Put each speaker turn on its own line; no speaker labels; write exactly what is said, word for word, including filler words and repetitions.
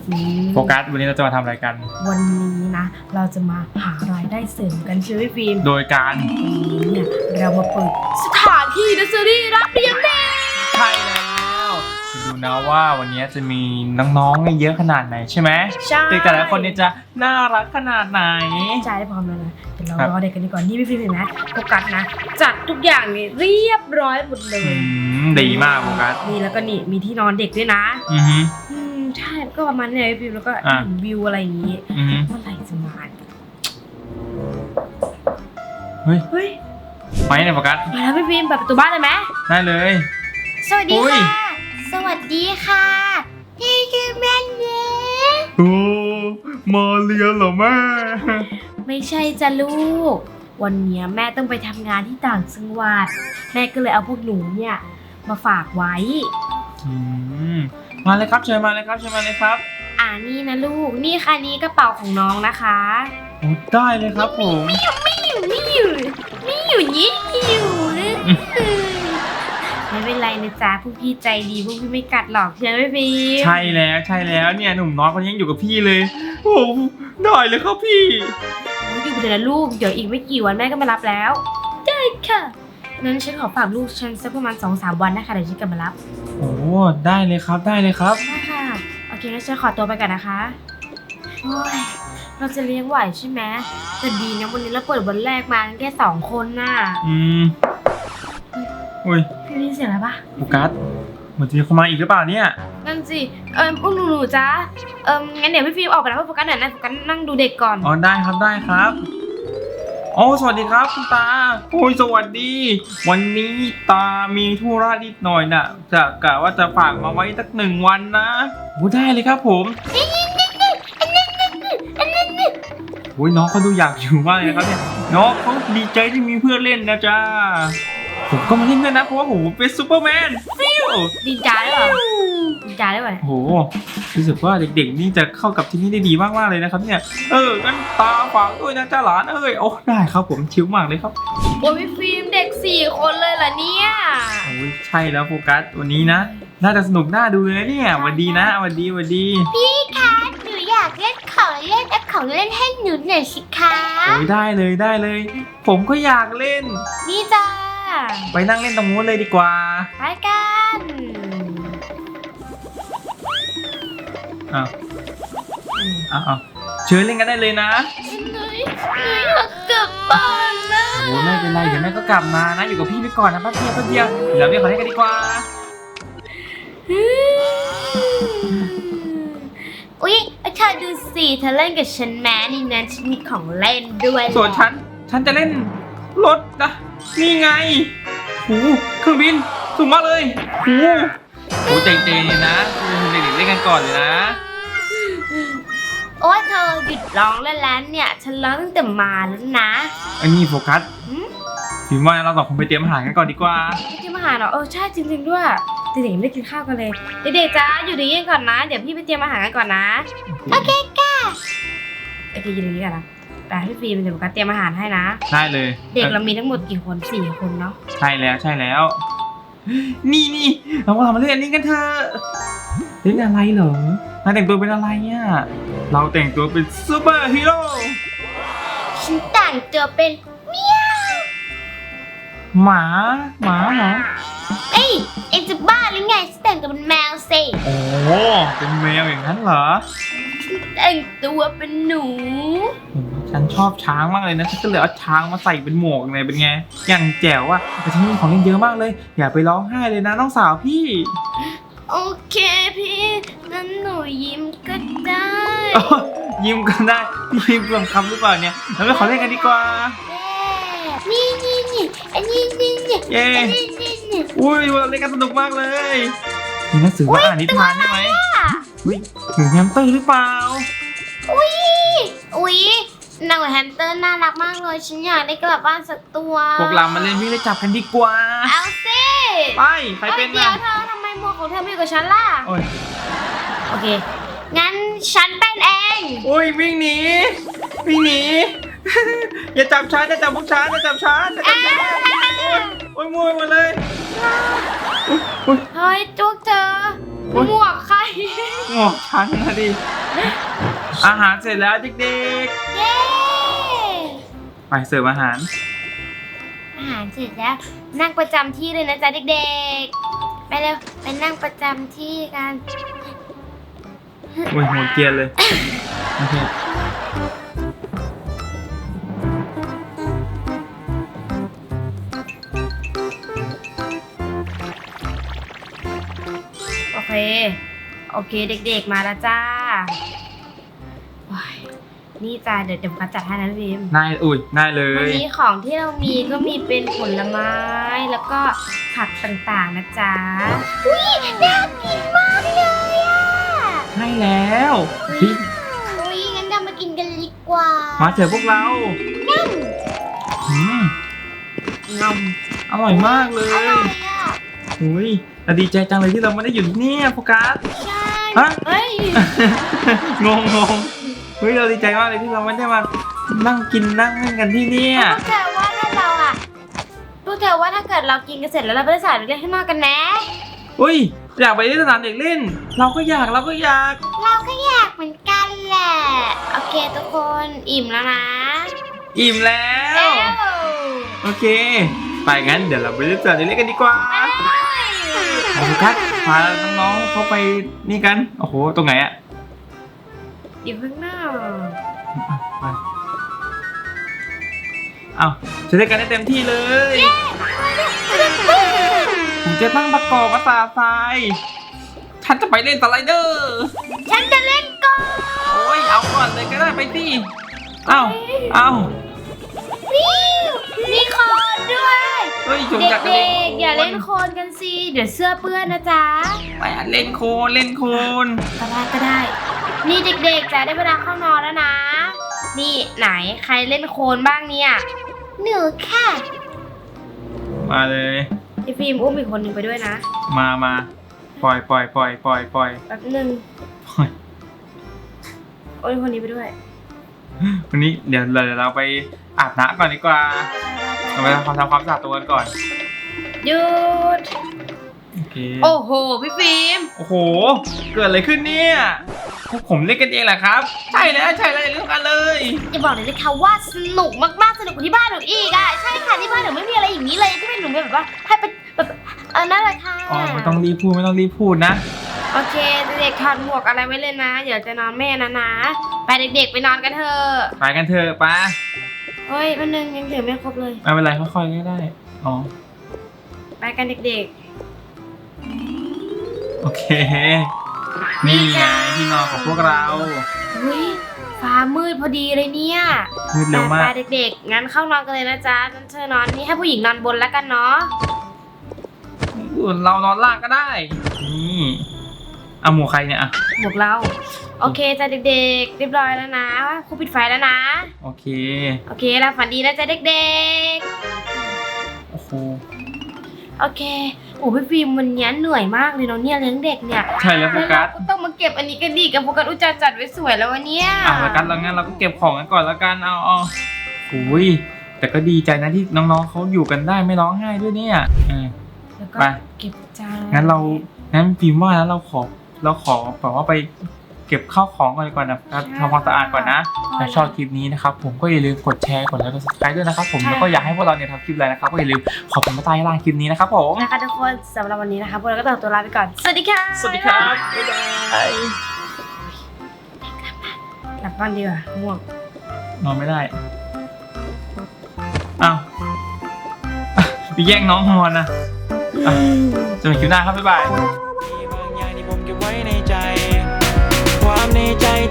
โฟกัสวันนี้เราจะมาทำอะไรกัน
วันนี้นะเราจะมาหารายได้เสริมกันใช่ไหมฟิล์ม
โดยการ
เนี่ยเรามาเปิดสถานที่เนอร์เซอรี่รับเลี้ยงเด็ก
ใช่แล้วดูนะว่าวันนี้จะมีน้องๆเยอะขนาดไหนใช่ไหม
ใช่
เด็กแต่ละคนเนี่ยจะน่ารักขนาดไหน
ใช่ได้พร้อมแล้วนะเดี๋ยวเรารอเด็กกันดีกว่านี่พี่ฟิล์มเห็นไหมโฟกัสนะจัดทุกอย่างนี่เรียบร้อยหมดเลย
ดีมากโฟกัส
นี่แล้วก็นี่มีที่นอนเด็กด้วยนะ
อือฮึ
ใช่ก็ประมาณนี้เลยฟิล์มแล้วก็เห็นวิวอะไรอย่างงี้เมื่อไหร่จะมา
เฮ้ย
เฮ้ย
ไปไหนโฟกัส
มาแล้วพี่ฟิล์มเปิดประตูบ้านเลยไหม
ได้เลย
สวัสดีค่ะสวัสดีค่ะนี่คือแม่เนี้ย
โอ้มาเรียนเหรอแม่
ไม่ใช่จ้ะลูกวันนี้แม่ต้องไปทำงานที่ต่างจังหวัดแม่ก็เลยเอาพวกหนูเนี่ยมาฝากไว้
อืมมาเลยครับเชิญมาเลยครับเชิญมาเลยครับ
อ่านี่นะลูกนี่ค่ะนี่กระเป๋าของน้องนะคะ
โอ้ได้เลยครับผม
ไม่อยู่ไม่อยู่ไม่อยู่ไม่อยู่ยี่อยู่ไม่เป็นไรนะจ๊ะพวกพี่ใจดีพวกพี่ไม่กัดหรอกใช่ไหมพี่
ใช่แล้วใช่แล้วเนี่ยหนุ่มน้อยคนนี้ยังอยู่กับพี่เลยโอ้ได้เลยครับพี่
อยู่ไปเถอะนะลูกเดี๋ยวอีกไม่กี่วันแม่ก็มารับแล้วได้ค่ะนั้นฉันขอฝากลูกฉันสักประมาณ สองสาม วันนะคะเดี๋ยวฉันกลับมารับ
โอ้ได้เลยครับได้เลยครับ
ได้ค่ะโอเคงั้นฉันขอตัวไปก่อนนะคะโอ้ยเราจะเลี้ยงไหวใช่ไหมแต่ดีนะวันนี้เราเปิดวันแรกมาแค่สองคนน่ะ
อืมอุ้ย
พี่ได้ยินเสียงอะไรปะ
โฟกัสเหมือนจะมีคนมาอีกหรือเปล่าเนี่ย
นั่นสิเออพวกหนูๆจ้าเอองั้นเดี๋ยวพี่ฟิล์มออกไปแล้วโฟกัสหน่อยนะโฟกัสนั่งดูเด็กก่อน
อ๋อได้ครับได้ครับโอ้สวัสดีครับคุณตาโอ้ยสวัสดีวันนี้ตามีธุระนิดหน่อยน่ะจะกะว่าจะฝากมาไว้สักหนึ่งวันนะโอ้ได้เลยครับผมโอ้ยน้องเขาดูอยากอยู่มากเลยนะครับเนี่ยน้องเขาดีใจที่มีเพื่อนเล่นนะจ๊ะผมก็มาเล่นด้วยนะเพราะว่าผมเป็นซูเปอร์แมนฟิว
ดีใจได้หรอดีใจได้หรอ
โอ้โหรู้สึกว่าเด็กๆนี่จะเข้ากับที่นี่ได้ดีมากๆเลยนะครับเนี่ยเอองั้นตาฝากด้วยนะจ้าหลานเอ้ยโอ้ได้ครับผมชิลมากเลยครับ
โอ้ยฟิล์มเด็กสี่คนเลยเหรอเนี่ย
โอ้ยใช่แล้วโฟกัสวันนี้นะน่าจะสนุกน่าดูเลยเนี่ยวันดีนะวันดีวันดี
พี่คะหนูอยากเล่นของเล่นเอาของเล่นให้หนูหน่อยสิคะ
โอ้ยได้เลยได้เลยผมก็อยากเล่น
นี่จ้า
ไปนั่งเล่นตรงนู้นเลยดีกว่า
ไปกัน
อ้าวอ้าวเชิญเล่นกันได้เลยนะ
หนูอยากกลับบ้านนะ
โอ้ไม่เป็นไรเดี๋ยวแม่ก็กลับมานะอยู่กับพี่ไปก่อนนะแป๊บเดียวแป๊บเดียวเดี๋ยวเราเล่นของเล่นกันดีกว่า
อุ๊ยเธอดูสิเธอเล่นกับฉันแม้นี่นะฉันมีของเล่นด้วย
ส่วนฉันฉันจะเล่นรถนะนี่ไงโอ้เครื่องบินสูงมากเลยโอ้โหเจ๋งๆเลยนะเด็กๆเล่นกันก่อนเลยนะ
โอ้ยเธอหยุดร้องแล้วแล้วเนี่ยฉันร้องตั้งแต่มาแล้วนะ
อันนี้โฟกัสถึงว่าเราสองคนไปเตรียมอาหารกันก่อนดีกว่า
เตรียมอาหารเหรอเออใช่จริงๆด้วยเด็กๆไม่ได้กินข้าวกันเลยเด็กๆจ้าอยู่ดีๆก่อนนะเดี๋ยวพี่ไปเตรียมอาหารกันก่อนนะโอเคค่ะโอเคอยู่ดีๆก่อนนะแต่พี่ฟิล์มเดี๋ยวโฟกัสเตรียมอาหารให้นะ
ได้เลย
เด็กเรามีทั้งหมดกี่คนสี่คนเนาะ
ใช่แล้วใช่แล้วนี่นี่เรามาทำเล่นอันนี้กันเถอะเล่นอะไรเหรอมาแต่งตัวเป็นอะไรเนี่ยเราแต่งตัวเป็นซูเปอร์ฮีโร่
ฉันแต่งตัวเป็นเมียว
หมาหมาเหรอ
เอ้ยเอ็งจะบ้าหรือไงฉันแต่งตัวเป็นแมวสิ
โอ้เป็นแมวอย่างนั้นเหรอ
แต่งตัวเป็นหนู
ฉันชอบช้างมากเลยนะฉันก็เลยเอาช้างมาใส่เป็นหมวกเลยเป็นไงอย่างแจ๋วอ่ะแต่ฉันมีของเล่นเยอะมากเลยอย่าไปร้องไห้เลยนะน้องสาวพี่
โอเคพี่งั้นหนูยิ้มก็ได้
ยิ้มก็ได้ยิ้มเปลืองคำหรือเปล่าเนี่ยเราไปขอเล่นกันดีกว่า
นี่นี่นี่อันนี้นี่นี่
เย้อุ้ยเราเล่นกันสนุกมากเลยมีหนังสือว่าอ่านนิทานใช่ไหมอุ้ยหนูแฮมสเตอร์หรือเปล่า
อุ้ยอุ้ยหนูแฮมสเตอร์น่ารักมากเลยฉันอยากได้กลับบ้านสักตัว
พวกเรามาเล่นวิ่งเล่นจับกันดีกว่า
เอาสิ
ไปใครเป็นนะ
เดี๋ยวเธอทำไมหมวกของเธอไม่อยู่กับฉันล่ะโอเคงั้นฉันเป็นเอง
อุ้ยวิ่งหนีวิ่งหนีอย่าจับฉันอย่าจับพวกฉันอย่าจับฉันอย่าจับฉันโอ้ยโอ้ยมัวหมดเลย
เฮ้ยจุกเธอ
โอ๊ย
หมวกใคร
หมวกฉันนะดิ อาหารเสร็จแล้วเด็ก
เย้
ๆ ไปเสิร์ฟอาหาร
อาหารเสร็จแล้ว นั่งประจำที่เลยนะจ๊ะเด็กๆ ไปเร็วไปนั่งประจำที่กัน
โอ้ยหัวเกรียนเลย โอเค
โอเค โอเคเด็กๆมาแล้วจ้าโอ้ยนี่จ้าเดี๋ยวเดี๋ยวกัดจัดให้นะพี่พิม
นาย อุ้ยนายเล
วัน
ย
นี้ของที่เรามีก็มีเป็นผลไม้แล้วก็ผักต่างๆนะจ๊ะอุ้ยน่ากินมากเลยอ่ะ
ใช่แล้วพี่
อุ้ยงั้นเรามากินกันดีกว่า
มาเจอพวกเราอืม
งอม
อร่อยมากเล
อย ร่อยอ่ะ
อุ้ยแต่ดีใจจังเลยที่เราไม่ได้อยู่ที่นี่โฟกัส
ใช่
ฮะ
เฮ้ย
งงงงเฮ้ยเราดีใจมากเลยที่เราไม่ได้มานั่งกินนั่งเล่นกันที่เนี่ย
พวกเธอว่าถ้าเราอ่ะพวกเธอว่าถ้าเกิดเรากินกันเสร็จแล้วเราไปสายเล่นข้างนอกกันนะ
อุ้ยอยากไปที่สนามเด็กเล่น เราก็อยากเราก็อยาก
เราก็อยากเหมือนกันแหละโอเคทุกคนอิ่มแล้วนะ
อิ่มแล้ว โอเค ไปงั้นเดี๋ยวเราไปเล่นสนามเด็กเล่นกันดีกว่าเอาโฟกัสพาน้องๆเขาไปนี่กันโอ้โหตรงไหนอะ
อยู่ข้างหน้า
ไปเอาจะเล่นกันได้เต็มที่เลยผมจะตั้งประกอบภาษาทรายฉันจะไปเล่นสไลเดอร์
ฉันจะเล่นก่อน
โอ้ยเอาก่อนเลยก็ได้ไปสิเอ้าเอ้า
วิวมีโคนด้วย
เฮ้ยจุก
เด็
จักรเล่น
กๆอย่าเล่นโคลนกันสิเดี๋ยวเสื้อเปื้อนนะจ๊ะ
ไปเล่นโคลนเล่นโคลน
ก็ได้ก็ได้ นี่เด็กๆจะได้เวลาเข้านอนแล้วนะ นี่ไหนใครเล่นโคลนบ้างเนี่ยหนูค่ะ
มาเลย
ไอฟิล์มอุ้มอีกคนหนึ่งไปด้วยนะ
มามาปล่อยปล่อยปล่อยปล่อยปล่อย
แป๊บหนึ่ง
ปล่อย
โอ้ยคนนี้ไปด้วย
วันนี้เดี๋ยวเราเดี๋ยวเราไปอาบน้ำก่อนดีกว่าเราไปทำความทำความสะอาดตัวกันก่อน
หยุด
โอเค
โอ้โหพี่ฟิล์ม
โอ้โหเกิดอะไรขึ้นเนี่ยพวกผมเล่นกันเองแหละครับ ใช่แล้วใช่แล้วเรื่องกันเลย
จะบอกเลยนะคะว่าสนุกมากๆสนุกกว่าที่บ้านหนูอีกอ่ะใช่ค่ะที่บ้านหนูไม่มีอะไรอย่างนี้เลยที่เป็นหนูแบบว่าให้เป็นแบบเออนั่นแหละค่ะ
อ๋อไม่ต้องรีบพูดไม่ต้องรีบพูดนะ
โอเคเด็กๆถอดหมวกอะไรไว้เลยนะเดี๋ยวจะนอนแม่นะนะไปเด็กๆไปนอนกันเถอะ
ไปกันเถอะป้า
เฮ้ยวันนึงยังถือไม่ครบเลย
ไม่เป็นไรค่อยๆก็ได้อ๋อ
ไปกันเด็ก
โอเค นี่ไงที่นอนของพวกเรา
ๆเฮ้ยฟ้ามืดพอดีเลยเนี่ย
มืดเร็วมาก
ไปๆเด็กๆงั้นเข้านอนกันเลยนะจ๊ะนั่นเธอนอนนี่ให้ผู้หญิงนอนบนแล้วกันเนาะ
เรานอนล่างก็ได้ นี่เอาหมวกใครเนี่ยอ่ะ
หมวกเราโอเคจ้ะเด็กๆเรียบร้อยแล้วนะครูปิดไฟแล้วนะ
โอเค
โอเคแล้วฝันดีนะจ๊ะเด็ก
โอ้โห
ๆโอเคโอ้พี่ฟิล์มวันนี้เหนื่อยมากเลยเนาะเนี่ยเลี้ยงเด็กเนี่ย
ใช่แล้วโฟกัส
แล้วเราก็ต้องมาเก็บอันนี้กันดีกับโฟกัสอุจจาจัดไว้สวยแล้ววันเนี้ย
อ่ะแล้วกันแล้วงั้นเราก็เก็บของกันก่อนแล้วกันเอาเอาอุ้ยแต่ก็ดีใจนะที่น้องๆเขาอยู่กันได้ไม่ร้องไห้ด้วยเนี่ยอืม
แล้วก็
ไป
เก็บจาน
งั้นเรางั้นฟิล์มว่าแล้วเราขอเราขอแบบว่าไปเก็บข้าวของก่อนดีกว่านะครับทำความสะอาดก่อนนะถ้าชอบคลิปนี้นะครับผมก็อย่าลืมกดแชร์กดไลค์กด ซับสไครบ์ด้วยนะครับผมแล้วก็อยากให้พวกเราเนี่ยทำคลิปอะไรนะครับก็อย่าลืมขอบคุณมาใต้ล่างคลิปนี้นะครับผม
นะคะทุกคนสำหรับวันนี้นะคะพวกเราก็ต้องตัวลาไปก่อนสวัสดีค่ะ
สวัสดีครับบ๊ายบาย
หลับบ้านดีกว่าง่วง
นอนไม่ได้อ้าวไปแย่งน้องนอนนะอ่ะจะมีคลิปหน้าครับบ๊ายบาย
มีบางอย่างที่ผมเก็บไว้ในใจ ความในใจ